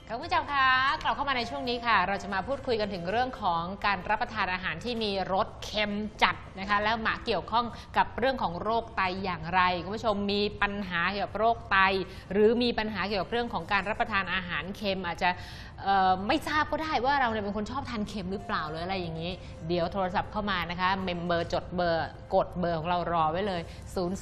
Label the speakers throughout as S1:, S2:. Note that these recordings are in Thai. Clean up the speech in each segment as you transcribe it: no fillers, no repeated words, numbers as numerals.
S1: คุณผู้ชมคะกลับเข้ามาในช่วงนี้ค่ะเราจะมาพูดคุยกันถึงเรื่องของการรับประทานอาหารที่มีรสเค็มจัดนะคะแล้วมาเกี่ยวข้องกับเรื่องของโรคไตอย่างไรคุณผู้ชมมีปัญหาเกี่ยวกับโรคไตหรือมีปัญหาเกี่ยวกับเรื่องของการรับประทานอาหารเค็มอาจจะไม่ทราบก็ได้ว่าเราเนี่ยเป็นคนชอบทานเค็มหรือเปล่าหรืออะไรอย่างนี้เดี๋ยวโทรศัพท์เข้ามานะคะเมมเบอร์จดเบอร์กดเบอร์ของเรารอไว้เลย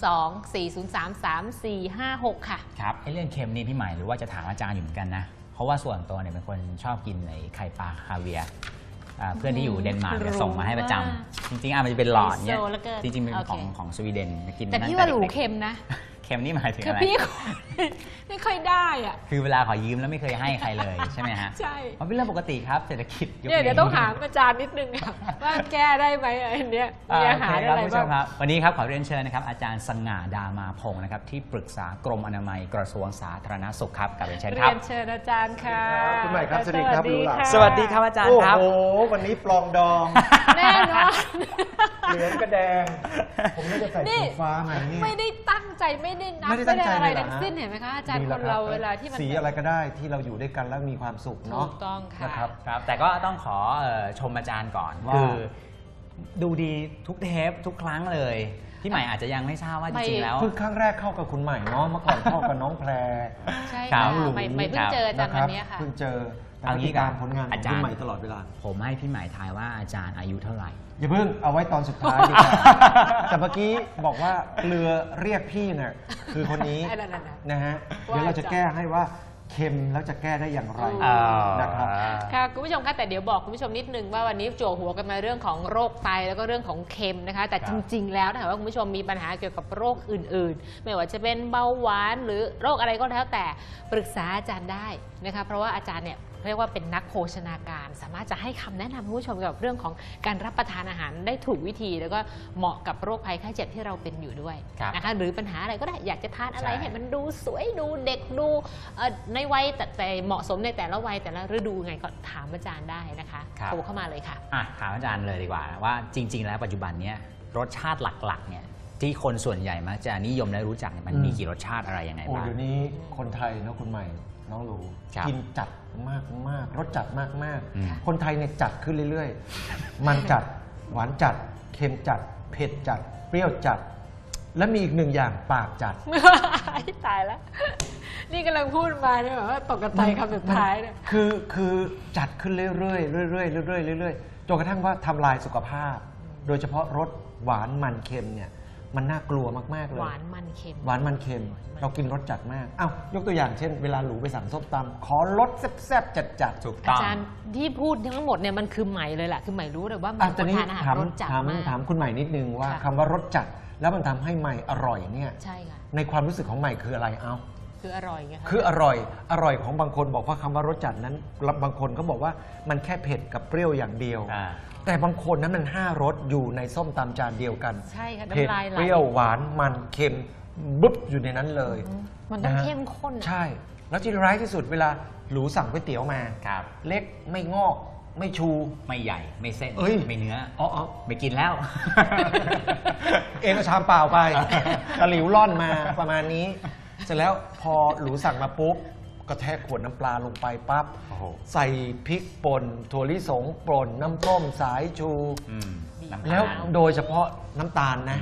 S1: 02-403-3456ค่ะ
S2: ครับเรื่องเค็มนี่พี่ใหม่หรือว่าจะถามอาจารย์อยู่เหมือนกันนะเพราะว่าส่วนตัวเนี่ยเป็นคนชอบกินไข่ปลาคาเวียร์เพื่อนที่อยู่เดนมาร์กจะส่งมาให้ประจำจริงๆมันจะเป็นหลอดเนี่ยจริงๆเป็นของสวีเดนกิน
S1: แต่พี่ว่าหรูเค็มนะ
S2: เค็มนี่หมายถึงอะไร
S1: คือพี่ไม่ค่อยได้อะ
S2: คือเวลาขอยืมแล้วไม่เคยให้ใครเลยใช่ไหมฮะ
S1: ใช่
S2: มันเป็นเรื่องปกติครับเศรษฐกิจ
S1: เดี๋ยวต้องถามอาจารย์นิดนึงว่าแก้ได้ไหมอันนี้มีอาหารอะไรบ้าง
S2: วันนี้ครับขอเรียนเชิญนะครับอาจารย์สง่าดามาพงศ์นะครับที่ปรึกษากรมอนามัยกระทรวงสาธารณสุขครับกับเรียนเชิญครับ
S1: เรียนเชิญอาจารย์ค่ะ
S3: คุณใหม่ครับสวัสดีครับ
S2: สวัสดีครับอาจารย์ครับ
S3: โอ้โหวันนี้ปลองดอง
S1: แน่นอน
S3: เหลืองกระแดงผมไม่ได้ใส่สีฟ้ามานี่
S1: ไม่ได้ตั้งใจไม่ได้นับไม่ได้อะไรทั้งสิ้นเห็นไหมคะอาจารย์คนเราเวลาที่มัน
S3: สีอะไรก็ได้ที่เราอยู่ด้วยกันแล้วมีความสุขเนาะ
S1: ถูกต้องค่ะ
S2: ครับแต่ก็ต้องขอชมอาจารย์ก่อนคือดูดีทุกเทปทุกครั้งเลยพี่ใหม่อาจจะยังไม่ทราบว่าจริงๆแล้ว
S3: เพิ่งครั้งแรกเข้ากับคุณใหม่เนาะเมื่อก่อนเข้ากับน้องแพร
S1: ใช่ค่ะใหม่เพิ่งเจออาจารย์วันนี้ค่ะ
S3: เพิ่งเจอติดตามผลงานของพี่ใหม่ตลอดเวลา
S2: ผมให้พี่ใหม่ทายว่าอาจารย์อายุเท่าไหร่
S3: อย่าเพิ่งเอาไว้ตอนสุดท้ายดีกว่าแต่เมื่อกี้บอกว่าเรือเรียกพี่เนี่ยคือคนนี้นะฮะเดี๋ยวเราจะแก้ให้ว่าเค็มแล้วจะแก้ได้อย่างไรนะครับ
S1: ค่ะคุณผู้ชมคะแต่เดี๋ยวบอกคุณผู้ชมนิดนึงว่าวันนี้จั่วหัวกันมาเรื่องของโรคไตแล้วก็เรื่องของเค็มนะคะแต่จริงๆแล้วถ้าหากว่าคุณผู้ชมมีปัญหาเกี่ยวกับโรคอื่นๆไม่ว่าจะเป็นเบาหวานหรือโรคอะไรก็แล้วแต่ปรึกษาอาจารย์ได้นะคะเพราะว่าอาจารย์เนี่ยเรียกว่าเป็นนักโภชนาการสามารถจะให้คำแนะนำคุณผู้ชมเกี่ยวกับเรื่องของการรับประทานอาหารได้ถูกวิธีแล้วก็เหมาะกับโรคภัยไข้เจ็บที่เราเป็นอยู่ด้วยนะคะหรือปัญหาอะไรก็ได้อยากจะทานอะไรให้มันดูสวยดูเด็กดูในวัยแต่เหมาะสมในแต่ละวัยแต่ละฤดูไงก็ถามอาจารย์ได้นะคะโทรเข้ามาเลยค่ะ
S2: ถามอาจารย์เลยดีกว่าว่าจริงๆแล้วปัจจุบันนี้รสชาติหลักๆเนี่ยที่คนส่วนใหญ่มักจะนิยมและรู้จักมันมีกี่รสชาติอะไรยังไงบ้าง
S3: เดี๋ยวนี้คนไทยเนาะคุณใหม่น้องรู้กินจัดมากรสจัดมากคนไทยเนี่ยจัดขึ้นเรื่อยๆมันจัดหวานจัดเค็มจัดเผ็ดจัดเปรี้ยวจัดและมีอีกหนึ่งอย่างปากจัด
S1: ตายแล้วนี่กำลังพูดมาเนี่ยแบบว่าตกกระไตคำสุดท้ายเนี่ย
S3: คือจัดขึ้นเรื่อยๆเรื่อยๆจนกระทั่งว่าทำลายสุขภาพโดยเฉพาะรสหวานมันเค็มเนี่ยมันน่ากลัวมากๆเลย
S1: หวานมันเค็ม
S3: เรากินรสจัดมากอ้าวยกตัวอย่างเช่นเวลาหลูไปสั่งส้มตำขอรสแซ่บๆจัด
S2: ถูกต้อง
S1: อาจารย์ที่พูดทั้งหมดเนี่ยมันคือใหม่เลยแหละคือใหม่รู้เลยว่ามันทานอาหารรสจัดมาก
S3: ถามคุณใหม่นิดนึงว่าคำว่ารสจัดแล้วมันทำให้ใหม่อร่อยเนี่ย
S1: ใช่ค่ะ
S3: ในความรู้สึกของใหม่คืออะไร
S1: คืออร่อยไงคะ
S3: คืออร่อยของบางคนบอกว่าคำว่ารสจัดนั้นบางคนก็บอกว่ามันแค่เผ็ดกับเปรี้ยวอย่างเดียวแต่บางคนนั้นมัน5 รสอยู่ในส้มตำจานเดียวกัน
S1: ใช่ค่ะ
S3: เผ็ดเปรี้ยวหวานมันเค็มบุ๊บอยู่ในนั้นเลย
S1: มันต้องเข้มข้น
S3: ใช่แล้วที่ร้ายที่สุดเวลาหรูสั่งก๋วยเตี๋ยวมาเล็กไม่งอกไม่ชู
S2: ไม่ใหญ่ไม่เส้นไม่เนื้อไม่กินแล้ว
S3: เองก็ชามเปล่าไปตะหลิวล่อนมาประมาณนี้เสร็จแล้วพอหรูสั่งมาปุ๊บก็แทกขวดน้ำปลาลงไปปั๊บใส่พริกป่นถั่วลิสงป่นน้ำส้มสายชูแล้วโดยเฉพาะน้ำตาลนะ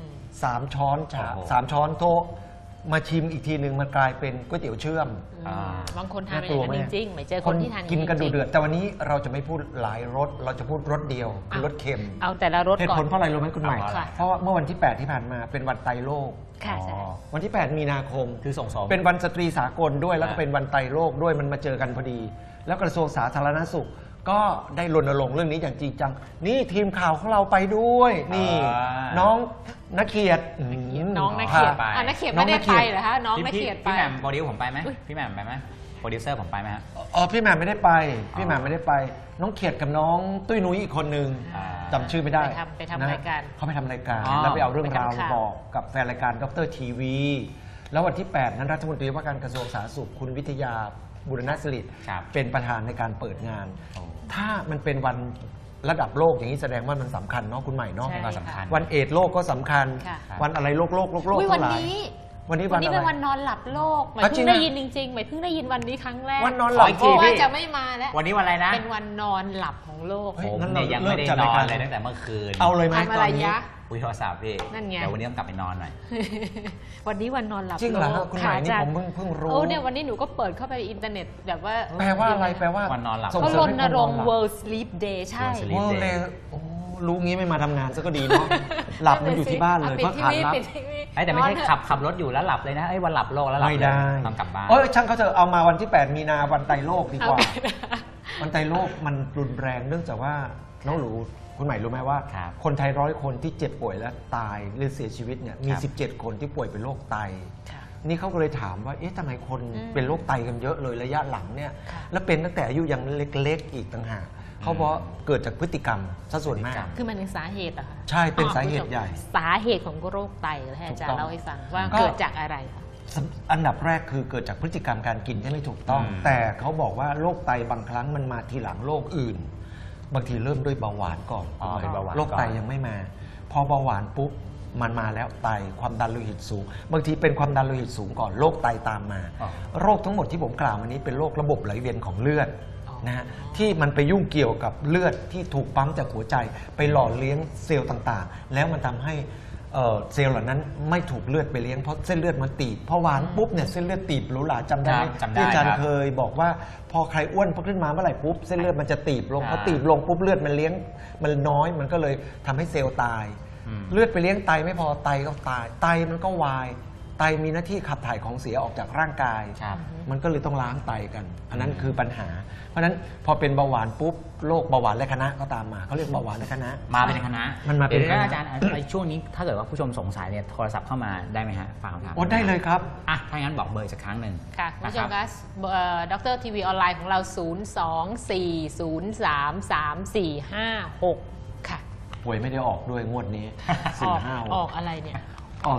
S3: 3 ช้อน3 ช้อนโต๊ะมาชิมอีกทีหนึ่งมันกลายเป็นก๋วยเตี๋ยวเชื่อม
S1: บางคนทานเป็นอย่างนั้นจริงๆไม่เจอคนที่ทาน
S3: กินกันดูเดือดแต่วันนี้เราจะไม่พูดหลายรสเราจะพูดรสเดียวคือรสเค็ม
S1: เอาแต่ละรสก่อน
S3: เหตุผลเพราะอะไรรู้ไหมคุณใหม่เพราะว่าเมื่อวันที่8ที่ผ่านมาเป็นวันไตโลกวันที่8มีนาคม
S2: คือส่ง
S3: เป็นวันสตรีสากลด้วยแล้วก็เป็นวันไตโลกด้วยมันมาเจอกันพอดีแล้วกระทรวงสาธารณสุขก็ได้รณรงค์เรื่องนี้อย่างจริงจังนี่ทีมข่าวของเราไปด้วยนี่น้องนักเขียด
S1: น้องนักเขียดนักเขียดไม่ได้ไปเหรอฮะน้องนักเขียดไป
S2: พี่แหม่มโปรดิวผมไปไหมพี่แหม่มไปไหมโปรดิวเซอร์ผมไปไหมฮะ
S3: พี่แหม่มไม่ได้ไปน้องเขียดกับน้องตุ้ยนุ้ยอีกคนนึงจำชื่อไม่ได้
S1: ไปทำรายการ
S3: เขาไปทำรายการแล้วไปเอาเรื่องราวบอกกับแฟนรายการดร.ทีวีแล้ววันที่8นั้นรัฐมนตรีว่าการกระทรวงสาธารณสุขคุณวิทยาบุรณศิริเป็นประธานในการเปิดงานถ้ามันเป็นวันระดับโลกอย่างนี้แสดงว่ามันสำคัญเนาะคุณใหม่เนาะ
S2: สำคัญ
S3: วันเอดส์โลกก็สำคัญวันอะไรโลกทั้งหลายวันนี้
S1: วั
S3: วัน น
S1: นี้
S3: อะไร
S1: เป็นวันนอนหลับโลกหมาย
S3: จริ
S1: เพิ่
S3: ง
S1: ง
S3: อะ
S1: ได้ยินจริงๆหมายเพิ่งได้ยินวันนี้ครั้งแรก
S3: วันนอนหลับ
S2: ขออีกที
S1: เพราะว่า
S2: พี่
S1: จะไม่มาแล้ว
S2: วันนี้วันอะไรนะ
S1: เป็นวันนอนหลับของโลก
S3: เฮ้ย
S2: ผม
S3: งั้น
S2: เนี่ย
S3: เรา
S2: ยังไม่ได้
S3: เลิกจัด
S2: น
S3: ราย
S2: อ
S3: การ
S2: นเลยตั้งแต่เมื่อคืน
S3: เอาเลยไหม
S1: ทำ
S3: ต
S1: อะ
S3: อ
S1: ไร
S3: นนี้
S1: ยะ
S2: คุยโทรศัพท์พี่
S1: นั่นไง
S2: เดี๋ยววันนี้ต้องกลับไปนอนหน่อย
S1: วันนี้วันนอนหลับ
S3: จริงเหรอ
S1: โล
S3: ฮะ
S1: ก
S3: คุณหมายนี่
S1: ะอาจา
S3: ผม
S1: รย์
S3: เพิ่งรู้
S1: โอ้เนี่ยวันนี้หนูก็เปิดเข้าไปอินเทอร์เน็ตแบบว่า
S3: แปลว่าอะไรแปลว่า
S2: วันนอนหลับ
S3: ส่ง
S1: เขา
S3: เส
S1: ร
S3: มให้
S1: ณ
S3: คน
S1: รงค์
S3: นอนหลับ
S1: World Sleep Day ใช่
S2: World Sleep
S3: โอ้เลยโอ้รู้งี้ไม่มาทำงานซะก็ดีเนาะ หลับมันอยู่ที่บ้านเลยเพราะทานรับ
S1: ปิดทีวี
S2: ไอ้แต่ไม่ใช่ขับรถอยู่แล้วหลับเลยนะไอ้วันหลับโลกแล้วหลับ
S3: ไม่
S2: เลย
S3: ได้
S2: ต้องกลับบ้าน
S3: โอ้ยช่างเขาเถอะเอามาวันที่ 8 มีนาวันไตรโลกดีกว่า
S1: เอาไป
S3: วันไตรโลกมันรุนแรงเนื่องจากว่าน้องหลูคุณใหม่รู้ไหมว่า
S2: ครับ
S3: คนไทย100 คนที่เจ็บป่วยและตายหรือเสียชีวิตเนี่ยมี
S2: ครับ
S3: 17 คนที่ป่วยเป็นโรคไต
S1: ค่ะ
S3: นี่เขาก็เลยถามว่าเอ๊ะทำไมคน
S1: อืม
S3: เป็นโรคไตกันเยอะเลยระยะหลังเนี่ย
S1: ค่ะ
S3: แล้วเป็นตั้งแต่อายุยังเล็กๆอีกต่างหากเขาบอกว่าเกิดจากพฤติกรรมซะส่วนมาก
S1: คือมันเป็นสาเหตุเหรอะคะ
S3: ใช่เป็นสาเหตุใหญ่
S1: สาเหตุของโรคไตเหรอให้อาจาร
S3: ถูกต้อง
S1: ย์เล่าให้ฟังว่า
S3: ก็
S1: เกิดจากอะไรคะ
S3: อันดับแรกคือเกิดจากพฤติกรรมการกินที่ไม่ถูกต้อง
S2: อืม
S3: แต่เขาบอกว่าโรคไตบางครั้งมันมาทีหลังโรคอื่น บางทีเริ่มด้วยเบาหวานก่อน
S2: อ๋อเป็นเบาหวาน
S3: โรคไต
S2: ก่อน
S3: ยังไม่มา พอเบาหวานปุ๊บมันมาแล้วไตความดันโลหิตสูง บางทีเป็นความดันโลหิตสูงก่อนโรคไตตามมา
S2: อ๋อ
S3: โรคทั้งหมดที่ผมกล่าวมานี้เป็นโรคระบบไหลเวียนของเลือด
S1: อ๋อ
S3: นะฮะที่มันไปยุ่งเกี่ยวกับเลือดที่ถูกปั๊มจากหัวใจ ไปหล่อเลี้ยงเซลล์ต่างๆ แล้วมันทำให้เซลล์เหล่านั้นไม่ถูกเลือดไปเลี้ยงเพราะเส้นเลือดมันตีบพอหวานปุ๊บเนี่ยเส้นเลือดตีบหรูหราจำได้ไหม
S2: ครับจำได้
S3: ที่อาจาร
S2: ครั
S3: ย์
S2: บ
S3: เคยบอกว่าพอใครอ้วนขึ้นมาเมื่อไหร่ปุ๊บเส้นเลือดมันจะตีบลง
S2: อ่า
S3: พอตีบลงปุ๊บเลือดมันเลี้ยงมันน้อยมันก็เลยทำให้เซลล์ตาย
S2: อืม
S3: เลือดไปเลี้ยงไตไม่พอไตก็ตายไตมันก็วายไตมีหน้าที่ขับถ่ายของเสียออกจากร่างกาย
S2: ครับ
S3: มันก็เลยต้องล้างไตกัน อันนั้นคือปัญหา เพราะฉะนั้นพอเป็นเบาหวานปุ๊บโรคเบาหวานและคณะก็ตามมาเขาเรียกเบาหวานและคณะ
S2: มาเป็นคณะ
S3: มันมาเป็น
S2: ดี๋ยว
S3: คณะ
S2: อาจารย์ไอ้ช่วงนี้ถ้าเกิดว่าผู้ชมสงสัยเนี่ยโทรศัพท์เข้ามาได้ไหมฮะฝากคำถาม
S3: โอ้ได้เลยครับ
S2: อ่ะถ้างั้นบอกเบอร์อีกสักครั้งหนึ่ง
S1: ค่ะคุณผู้ชม
S2: นะ
S1: คะดรทีวีออนไลน์ของเรา 024033456 ค่ะ
S3: หวยไม่ได้ออกด้วยงวดนี้
S1: ออก
S3: 4-5
S1: ออกอะไรเนี่ย
S3: อ๋อ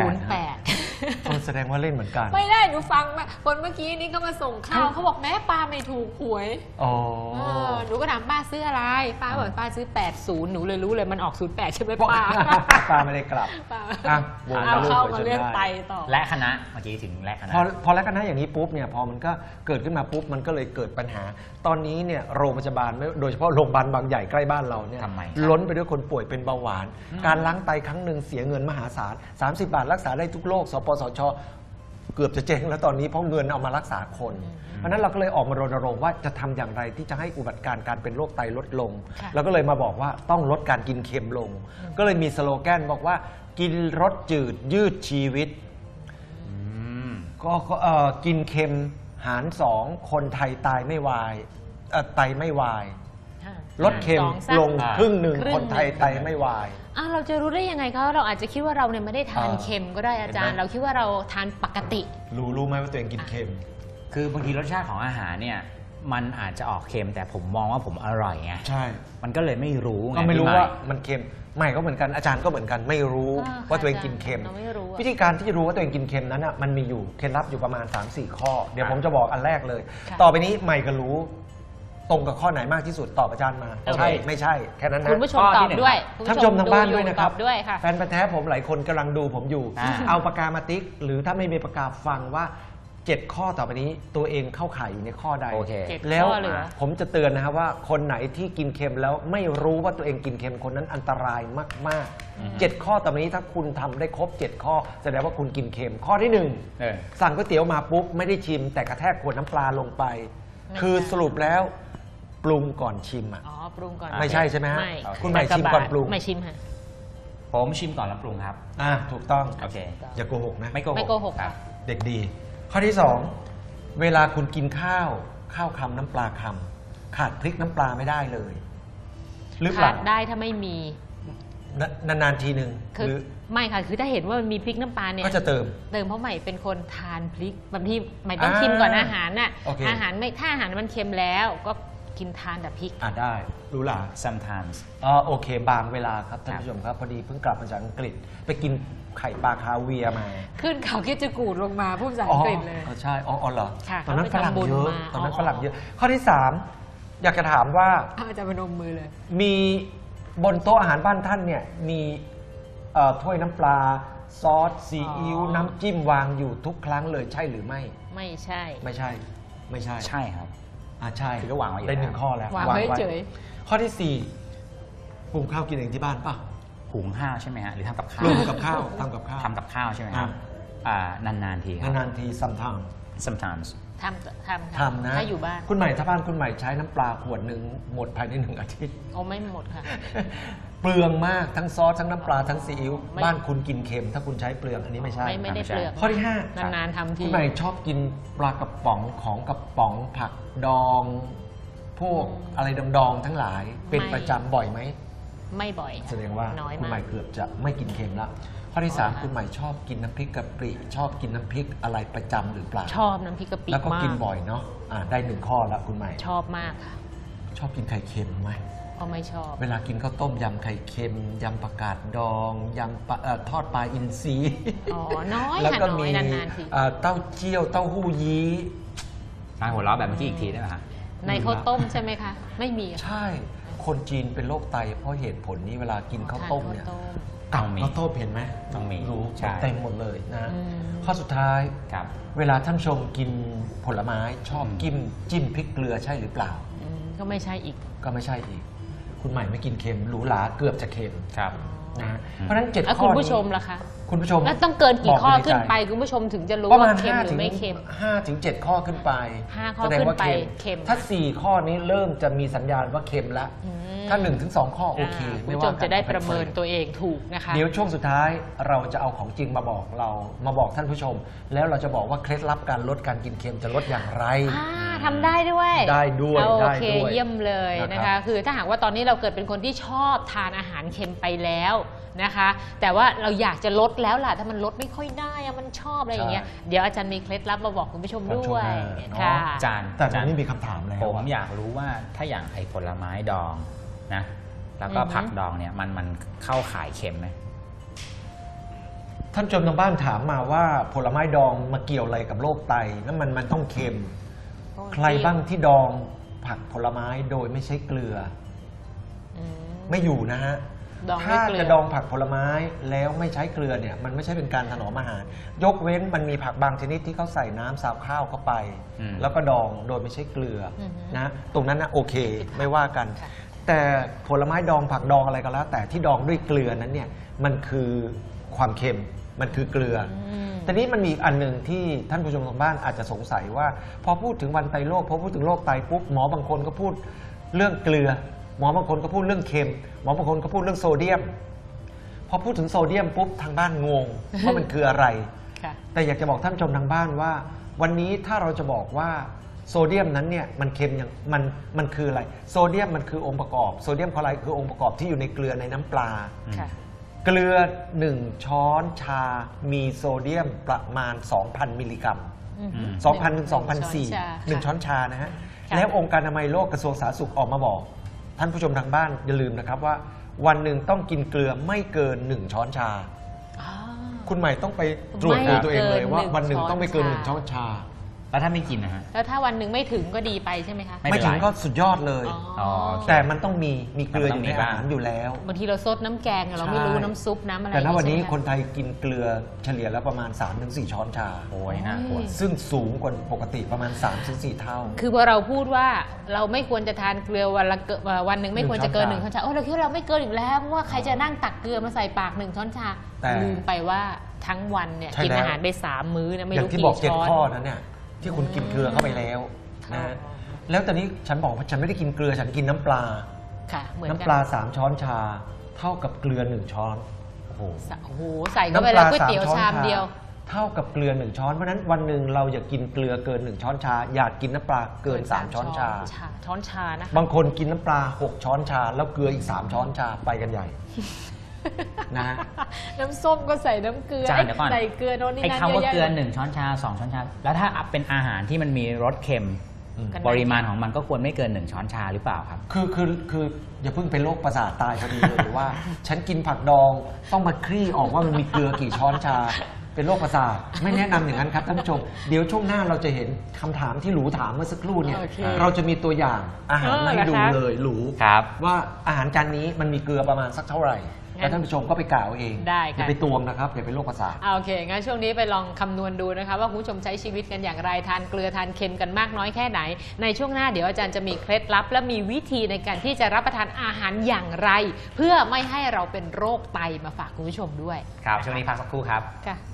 S3: 08 แสดงว่าเล่นเหมือนกัน
S1: ไม่ได้หนูฟังมาคนเมื่อกี้นี้ก็มาส่งข้าวเขาบอกแม่ป้าไม่ถูกหวย
S3: อ๋อ
S1: หนูก็ถามป้าซื้ออะไร ป้าบอกป้าซื้อ 80 หนูเลยรู้เลยมันออก 08 ใช่ไหมป้า
S3: ป้าไม่ได้กลับ
S1: ป้า
S3: อ่ะวง
S1: เอา
S3: ลูก
S1: เข้า
S3: ไป
S1: มา
S3: จน
S1: เรื่อง
S3: ได้
S1: ไตต่อ
S2: และคณะเมื่อกี้ถึงและคณะ
S3: พอแล้วกันนะอย่างนี้ปุ๊บเนี่ยพอมันก็เกิดขึ้นมาปุ๊บมันก็เลยเกิดปัญหา ตอนนี้เนี่ยโรงพยาบาลไม่โดยเฉพาะโรงพยาบาลบางใหญ่ใกล้บ้านเราเนี่ย
S2: ทำไม
S3: ล้นไปด้วยคนป่วยเป็นเบาหวาน การล้างไตครั้งหนึ่งเสียเงินมหาศาล30 บาทรักษาได้ทุกโรคสปสช เกือบจะเจ๊งแล้วตอนนี้เพราะเงินเอามารักษาคน เพราะฉะนั้นเราก็เลยออกมารณรงค์ว่าจะทำอย่างไรที่จะให้อุบัติการเป็นโรคไตลดลง
S1: ค่ะ
S3: เราก็เลยมาบอกว่าต้องลดการกินเค็มลง ก็เลยมีสโลแกนบอกว่ากินรสจืดยืดชีวิต
S2: อืม
S3: ก็กินเค็มหาร 2 คนไทยตายไม่วายไตไม่วาย ลดเค็ม
S1: 2
S3: ลงครึ่งหนึ่ง
S1: ครึ่ง
S3: คนไทยไตไม่วาย
S1: เราจะรู้ได้ยังไงคะเราอาจจะคิดว่าเราเนี่ยไม่ได้ทาน
S3: อ่า
S1: เค็มก็ได้อาจารย์
S3: เห็นไหม
S1: เราคิดว่าเราทานปกติ
S3: รู้ไหมว่าตัวเองกินเค็ม
S2: คือบางทีรสชาติของอาหารเนี่ยมันอาจจะออกเค็มแต่ผมมองว่าผมอร่อยไง
S3: ใช่
S2: มันก็เลยไม่รู้ไง
S3: ก็ไม่รู้
S2: พี่ให
S3: ว่ามันเค็มไม่ก็เหมือนกันอาจารย์ก็เหมือนกันไม่รู้
S1: อ่า
S3: ว่าตัวเองกินเค็ม
S1: เราไม่รู้อะ
S3: วิธีการที่จะรู้ว่าตัวเองกินเค็มนั้นอ่ะมันมีอยู่เคล็ดลับอยู่ประมาณ 3-4 ข้อ เดี๋ยวผมจะบอกอันแรกเลย
S1: ค่ะ
S3: ต่อไปนี้ใหม่ก็รู้ ตรงกับข้อไหนมากที่สุดตอบอาจารย์มา
S1: โอเค
S3: ใช่ไม่ใช่แค่นั้นนะ
S1: คุณผู้ชม
S2: ข้อ
S1: ต
S2: ที่
S1: อบ
S2: หนึ่ง
S1: ด้วย
S3: ท่านผู้ชมทางบ้านด้วยนะครับ
S1: ตอบด้วยค่ะ
S3: แฟนพันธุ์แท้ผมหลายคนกำลังดูผมอยู่
S2: อ่า
S3: เอาปากกามาติ๊ก หรือถ้าไม่มีปากกาฟังว่า 7 ข้อต่อไปนี้ตัวเองเข้าข่ายอยู่ในข้อใด
S2: โอเค
S1: เจ็ด
S3: แล้ว
S1: ข้อเหลือ
S3: ผมจะเตือนนะครับว่าคนไหนที่กินเค็มแล้วไม่รู้ว่าตัวเองกินเค็มคนนั้นอันตรายมาก
S2: อือฮึ
S3: ๆ 7 ข้อต่อไปนี้ถ้าคุณทำได้ครบ 7 ข้อแสดงว่าคุณกินเค็มข้อที่
S2: เออ
S3: 1 สั่งก๋วยเตี๋ยวมาปุ๊บไม่ได้ชิม แต่กระแทกขวดน้ำปลาลงไป
S1: ไม่
S3: คือ
S1: ใช่
S3: สรุปแล้วปรุงก่อนชิมอ่ะ
S1: อ๋อปรุงก่อน
S3: ไม่ใช่ใช่ไหมฮะ
S1: ไม่
S3: คุณใหม่ชิมก่อนปรุง
S1: ไม่ชิมค่ะ
S2: ผมชิมก่อนแล้วปรุงครับ
S3: ถูกต้อง
S2: โอเค
S3: อย่าโกหกนะ
S2: ไม่โกหก
S1: ไม่โกหก
S2: ครับ
S3: เด็กดี ข้อที่ 2 เวลาคุณกินข้าวคำน้ำปลาคำขาดพริกน้ำปลาไม่ได้เลยหรือเป
S1: ขา
S3: ล่า
S1: ดได้ถ้าไม่มี
S3: นานๆทีหนึ่ง
S1: คือ
S3: หรือ
S1: ไม่ค่ะคือถ้าเห็นว่ามันมีพริกน้ำปลาเนี่ย
S3: ก็จะเติม
S1: เติมเพราะใหม่เป็นคนทานพริกบางทีใหม่ต้อง
S3: อ่า
S1: ชิมก่อนอาหารน่ะ
S3: โอเค
S1: อาหารไม่ถ้าอาหารมันเค็มแล้วก็กินทานแต่พริก
S3: ได้รู้ล่ะ
S2: sometimes
S3: โอเค บางเวลาครับท่านผู้ชมครับ พอดีเพิ่งกลับมาจากอังกฤษ ไปกินไข่ปลาคาเวียร์มา
S1: ขึ้นเขาคิดจะกูดลงมาพูดภาษาอังกฤษเลย
S3: ใช่อ๋อเหรอ
S1: ค่ะ
S3: ตอนนั้นฝ
S1: เขาไป
S3: รั่ง
S1: ทำบุญ
S3: เยอะ
S1: มา
S3: ตอนนั้น
S1: อ๋อ
S3: ฝรั่งเยอะ ข้อที่ 3 อยากจะถามว่า
S1: อาจารย์พนมมือเลย
S3: มีบนโต๊ะอาหารบ้านท่านเนี่ยมีถ้วยน้ำปลาซอสซีอิ๊วน้ำจิ้มวางอยู่ทุกครั้งเลยใช่หรือไม่
S1: ไม่ใช่
S3: ไม่ใช่ ไม่ใช่
S2: ใช่ครับ
S3: ใช่
S2: คือก็วางไว้อยู่
S3: ได้
S2: แล้ว
S3: 1 ข้อแล้ว
S1: วางไว้เฉย
S3: ข้อที่ 4ปรุงข้าวกินเองที่บ้านป่ะ
S2: หุงข้าวใช่ไหมฮะหรือทำกับข้าว
S3: รวมกับข้าวทำกับข้าว
S2: ทำกับข้าวใช่ไหมครับนานๆทีครับ
S3: นานๆที sometimes
S2: sometimes
S1: ทำ
S3: ทำนะ
S1: ถ้าอยู่บ้าน
S3: คุณใหม่ถ้าบ้านคุณใหม่ใช้น้ำปลาขวดหนึ่งหมดภายใน1 อาทิตย์
S1: โอ้ไม่หมดค่ะ
S3: เปลืองมากทั้งซอสทั้งน้ำปลาทั้งซีอิ๊ว
S1: ไม่
S3: บ้านคุณกินเค็ม ถ้าคุณใช้เปลืองอันนี้ไม่ใช่
S1: ไม่ได้เปลือก
S3: ข้อที่
S1: นานๆทำ
S3: 5
S1: ที
S3: คุณใหม่ชอบกินปลากระป๋องของกระป๋องผักดอง พวกอะไรดองๆทั้งหลาย เป็นประจำบ่อยไหม
S1: ไม่บ่อยค่ะ
S3: แสดงว่า
S1: น้อย
S3: คุณ
S1: มา
S3: ใหม่
S1: ก
S3: เกือบจะไม่กินเค็มละข้อที่
S1: อ๋อ
S3: 3 คุณใหม่ชอบกินน้ำพริกกะปิชอบกินน้ำพริกอะไรประจำหรือเปล่า
S1: ชอบน้ำพริกกะปิ
S3: แล้วก็
S1: มา
S3: กิน
S1: ก
S3: บ่อยเนาะได้1 ข้อละคุณใหม่
S1: ชอบมากค่ะ
S3: ชอบกินไข่เค็มไหม
S1: ก็ไม่ชอบ
S3: เวลากินข้าวต้มยำไข่เค็มยำผักกาดดองยำปลาทอดปลาอินทรี
S1: อ๋อ น้อย
S3: แล้ว
S1: ค่ะ
S3: ก็
S1: น้อ
S3: มี
S1: ยนานๆที
S3: เต้าเจี้ยวเต้าหู้ยี้
S2: ตายหัวเราะแบบเมื่อกี้อีกทีได้ไหมฮะ
S1: ในข้าวต้มใช่ไหมคะ ไม่มีค่ะ
S3: ใช่ คนจีนเป็นโรคไตเพราะเหตุผลนี้เวลากินข้าวต้มเนี่ย
S1: ทานข้าวต้ม
S3: กับข้าวต้มเห็นไหม
S2: ต้องมี
S3: รู้
S2: ใช่
S3: เต็มหมดเลยนะ
S1: อืม
S3: ข้อสุดท้าย
S2: ครับ
S3: เวลาท่านผู้ชมกินผลไม้ชอบจิ้มพริกเกลือใช่หรือเปล่า
S1: ก็ไม่ใช่อีก
S3: ก็ไม่ใช่อีก คุณใหม่ไม่กินเค็มหรูหราเกือบจะเค็ม
S2: ครับ
S3: นะเพราะฉะนั้น7
S1: แล้ว
S3: ข้อ
S1: คุณ
S3: นี้
S1: ผู้ชมล่ะคะ
S3: คุณผู้ชม
S1: แล้วต้องเกินกี่ข้อขึ้นไป
S3: บอก
S1: คุณผู้ชมถึงจะรู้
S3: ประ
S1: ว่า
S3: มาณ
S1: เค็มหรือ
S3: 5
S1: ไม่เค็ม
S3: ถึง 7 ข้อขึ้นไป
S1: 5 ข้อ
S3: แสดงว่า
S1: ขึ้นไปเค็ม
S3: ถ้า 4 ข้อนี้เริ่มจะมีสัญญาณว่าเค็มแล้ว
S1: อืม
S3: ถ้า 1-2 ข้อโอเค
S1: คุณ
S3: ไม่
S1: ผู้ช
S3: ว่าม กัน
S1: จะได้ประเมินตัวเองถูกนะคะ
S3: เดี๋ยวช่วงสุดท้ายเราจะเอาของจริงมาบอกมาบอกท่านผู้ชม แล้วเราจะบอกว่าเคล็ดลับการลดการกินเค็มจะลดอย่างไร
S1: ทำได้ด้วย
S3: ได้ด้วย
S1: โอ
S3: ได้
S1: เค
S3: ด้วย
S1: เยี่ยมเลยนะ
S3: นะครั
S1: คะ
S3: บ
S1: คือถ้าหากว่าตอนนี้เราเกิดเป็นคนที่ชอบทานอาหารเค็มไปแล้วนะคะ แต่ว่าเราอยากจะลดแล้วล่ะถ้ามันลดไม่ค่อยได้อะมันชอบอะไรอย่างเงี้ยเดี๋ยวอาจารย์มีเคล็ดลับมาบอกคุณผู้ชมด้วยค่ะ
S2: จาน
S3: แต่ตอนนี้มีคำถามแล้ว
S2: ผมอยากรู้ว่าถ้าอย่างไอ้ผลไม้ดองนะแล้วก็ผักดองเนี่ยมันเข้าข่ายเค็มไหม
S3: ท่านผู้ชมทางบ้านถามมาว่าผลไม้ดองมาเกี่ยวอะไรกับโรคไตแล้วมันต้องเค็ม ใครบ้างที่ดองผักผลไม้โดยไม่ใช้เกลือ
S1: อืม
S3: ไม่อยู่นะฮะ
S1: ดองด้วย
S3: ถ้า
S1: เกลือ
S3: จะดองผักผลไม้แล้วไม่ใช้เกลือเนี่ยมันไม่ใช่เป็นการถนอมอาหาร ยกเว้นมันมีผักบางชนิดที่เขาใส่น้ำซาวข้าวเข้าไป แล้วก็ดองโดยไม่ใช้เกลืออนะตรงนั้นนะโอเคไม่ว่ากัน แต่ผลไม้ดองผักดองอะไรก็แล้ว แต่ที่ดองด้วยเกลือนั้นเนี่ยมันคือความเค็มมันคือเกลืออแต่นี้มันมีอีกอันหนึ่งที่ท่านผู้ชมทางบ้านอาจจะสงสัยว่า พอพูดถึงวันไตโรคพอพูดถึงโรคไตปุ๊บหมอบางคนก็พูดเรื่องเกลือ หมอบางคนก็พูดเรื่องเค็มหมอบางคนก็พูดเรื่องโซเดียม พอพูดถึงโซเดียมปุ๊บทางบ้านงง ว่ามันคืออะไร
S1: ค่ะ
S3: แต่อยากจะบอกท่านผู้ชมทางบ้านว่า วันนี้ถ้าเราจะบอกว่าโซเดียมนั้นเนี่ยมันเค็มอย่างมันคืออะไรโซเดียมมันคือองค์ประกอบโซเดียมคลอไรด์คือองค์ประกอบที่อยู่ในเกลือในน้ำปลา
S1: ค่ะ
S3: เกลือ1 ช้อนชามีโซเดียมประมาณ 2,000 มิลลิกรัม 2,000 ถึง 2,400 1 ช้อนชานะฮะ
S1: ค่ะ
S3: แล้วองค์การอนามัยโลกกระทรวงสาธารณสุขออกมาบอก ท่านผู้ชมทางบ้านอย่าลืมนะครับว่า วันหนึ่งต้องกินเกลือไม่เกิน 1 ช้อนชา
S1: อ๋อ
S3: คุณใหม่ต้องไปตรวจดูตัวเองเลยว่า
S1: ไม่เกิน
S3: วันหนึ่งต้องไม่เกิน
S1: 1
S3: 1 ช้อนชา
S2: แล้วถ้าไม่กินนะฮะ
S1: แล้วถ้าวันหนึ่งไม่ถึงก็ดีไปใช่ไหมคะ
S2: ไม่
S3: ไม่
S2: เป็นไร
S3: ถึงก็สุดยอดเลย
S1: อ๋อ
S2: โอเค
S3: แต่มันต้องมีเกลืออยู่ใน
S2: มันต้องมี
S3: อา
S2: บ้าง
S3: หารอยู่แล้ว
S1: บางทีเราซดน้ำแกงอะเราไม่รู้
S3: ใช่
S1: น้ำซุปน้ำอะไร
S3: แต่ณวันนี้
S1: ใช่ไหมะ
S3: คนไทยกินเกลือเฉลี่ยแล้วประมาณ 3-4 ช้อนชา
S2: โอ้ยน่ากลัว
S3: ซึ่งสูงกว่าปกติประมาณ 3-4 เท่า
S1: คือพอเราพูดว่าเราไม่ควรจะทานเกลือวันหนึ่งไม่ควรจะเกิน
S3: 1
S1: 1 ช้อนชาโอ้เราคิดว่าเราไม่เกินอีกแล้วเพราะว่าใครจะนั่งตักเกลือมาใส่ปาก1 ช้อนชา
S3: แต่
S1: ลืมไปว่าทั้งวันเนี่ย
S3: ใช่
S1: กิน
S3: แล้ว
S1: อาหารไป3 มื้อนะไม่
S3: อย่าง
S1: รู้
S3: ที่
S1: กี่
S3: บอก
S1: ช้อน
S3: 7 ข้อนั้นเนี่ยที่คุณกินเกลือเข้าไปแล้วนะแล้วตอนนี้ฉันบอกว่าฉันไม่ได้กินเกลือฉันกินน้ำปลา
S1: ค่ะเหมือน
S3: น้ำ
S1: กั
S3: ปลา 3 ช้อนชา เท่ากับเกลือ 1 ช้อนโอ้โห
S1: โอ้โหใส่เข้าไปแล้วก๋วยเตี๋ยวชามเดียว
S3: เท่ากับเกลือ 1 ช้อนเพราะฉะนั้นวันหนึ่งเราอย่ากินเกลือเกิน 1 ช้อนชา อยากกินน้ำปลาเกิน 3 ช้อนชา
S1: ช้อนชานะคะ
S3: บางคนกินน้ำปลา 6 ช้อนชา แล้วเกลืออีก 3 ช้อนชาไปกันใหญ่ นะฮะ
S1: น้ำส้มก็ใส่น้ำเกลือ
S2: จานเดี๋ยวก่อน
S1: ใส่เกลือโน่นนี่
S2: ไอ้
S1: นั่น
S2: คำว่า
S1: เยอะ
S2: เกลือ
S1: แยะ
S2: 1 ช้อนชา 2 ช้อนชา แล้วถ้าเป็นอาหารที่มันมีรสเค็ม
S1: กัน
S2: ปริมาณของมันก็ควรไม่เกิน 1 ช้อนชาหรือเปล่าครับ
S3: คืออย่าเพิ่งเป็นโรคประสาทตายพอดีเลยว่า ฉันกินผักดองต้องมาคลี่ออกว่ามันมีเกลือกี่ช้อนชา เป็นโรคประสาทไม่แนะนำอย่างนั้นครับท่านผู้ชมเดี๋ยวช่วงหน้าเราจะเห็นคำถามที่หลูถามเมื่อสักครู่เนี่ย
S1: โอเค
S3: เราจะมีตัวอย่างอาหารมาให้ดูเลยหลู
S2: ครับ
S3: ว่าอาหารจานนี้มันมีเกลือประมาณสักเท่าไหร่แล้วท่านผู้ชมก็ไปกล่าวเอง
S1: ได้ค่ะ
S3: อย่าไปตวงนะครับอย่าไปโรคประสาท
S1: โอเค งั้นช่วงนี้ไปลองคำนวณดูนะคะว่าคุณผู้ชมใช้ชีวิตกันอย่างไร ทานเกลือทานเค็มกันมากน้อยแค่ไหน ในช่วงหน้าเดี๋ยวอาจารย์จะมีเคล็ดลับ และมีวิธีในการที่จะรับประทานอาหารอย่างไร เพื่อไม่ให้เราเป็นโรคไตมาฝากคุณผู้ชมด้วย
S2: ครับช่วงนี้พักสักครู่ครับ
S1: ค่ะ